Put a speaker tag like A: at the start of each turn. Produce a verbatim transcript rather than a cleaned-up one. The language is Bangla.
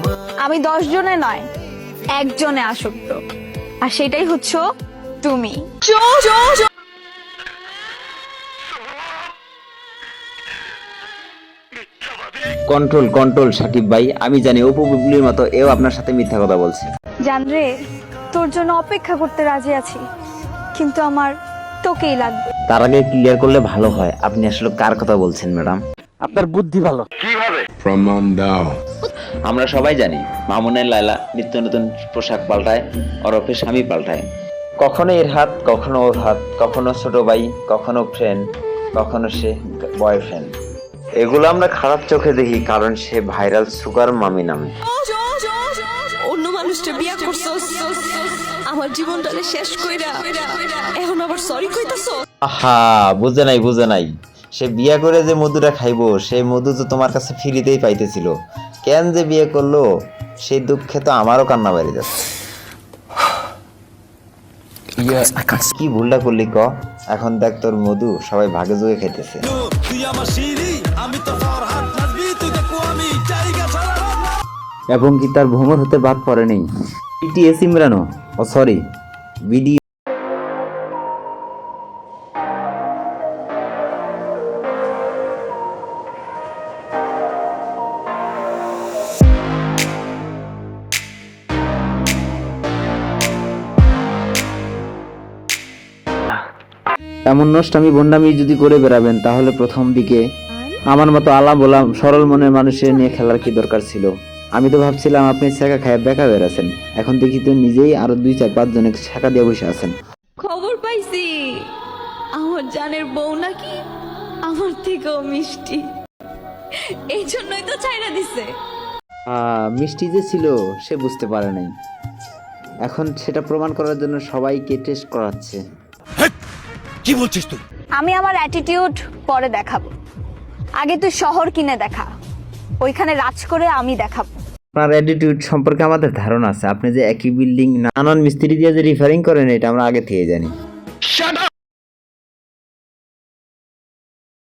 A: আমি দশ জনে নয় একজনে আসক্ত, আর সেটাই হচ্ছে তুমি।
B: কন্ট্রোল কন্ট্রোল সাকিব ভাই, আমি জানি অপু বুবলির মতো এও আপনার সাথে মিথ্যা কথা বলছে।
A: জানরে, তোর জন্য অপেক্ষা করতে রাজি আছি, কিন্তু আমার তোকেই লাগবে।
B: তার আগে ক্লিয়ার করলে ভালো হয়, আপনি আসলে কার কথা বলছেন ম্যাডাম?
C: আপনার বুদ্ধি ভালো।
D: প্রমাণ দাও।
B: আমরা সবাই জানি মামুনের লায়লা নিত্য নতুন পোশাক পাল্টায়, ওরফে স্বামী পাল্টায়। কখনো এর হাত, কখনো ওর হাত, কখনো ছোট ভাই, কখনো ফ্রেন্ড, কখনো সে বয়ফ্রেন্ড। এগুলো আমরা খারাপ চোখে দেখি, কারণ সে ভাইরাল সুগার মামি নামে।
E: অন্য মানুষটা বিয়া করছস, আমার জীবনটারে শেষ কইরা এখন আবার সরি কইতাছো।
B: আহা, বুঝে নাই বুঝে নাই, সে বিয়ে করে যে মধুটা খাইবো সেই মধু তো তোমার কাছে ফ্রিতেই পাইতেছিল। কেন যে বিয়ে করলো সেই দুঃখে তো আমারও কান্না বাড়ি যাচ্ছে। কি ভুলটা করলি ক? এখন দেখ তোর মধু সবাই ভাগে যোগে খাইতেছে। এবং কি তার ভ্রমণ হতে বাদ পড়ে নেই বিটিএস ইমরানও, ও সরি ভিডিও। এমন নষ্টামি বন্ডামি যদি করে বেড়াবেন তাহলে প্রথম দিকে আমার মতো আলা বলা সরল মনের মানুষের নিয়ে খেলার কি দরকার ছিল? আমি তো ভাবছিলাম আপনি ছেঁকা খায় বেকা বেড়াছেন, এখন দেখি তো নিজেই আরো দুই চার পাঁচ জনে ছেঁকা দিয়ে বসে আছেন।
E: খবর পাইছি আমার জানের বউ নাকি আমার থেকেও মিষ্টি, এই জন্যই তো চাইনা দিছে।
B: আহ, মিষ্টি যে ছিল সে বুঝতে পারে নাই, এখন সেটা প্রমাণ করার জন্য সবাইকে টেস্ট করাচ্ছে।
C: কি বলছিস তুই?
A: আমি আমার অ্যাটিটিউড পরে দেখাবো, আগে তুই শহর কিনে দেখা, ওইখানে রাজ করে আমি দেখাবো।
B: আপনার অ্যাটিটিউড সম্পর্কে আমাদের ধারণা আছে, আপনি যে একই বিল্ডিং নানান মিস্ত্রি দিয়ে যে রিফারিং করেন এটা আমরা আগে থেকে জানি।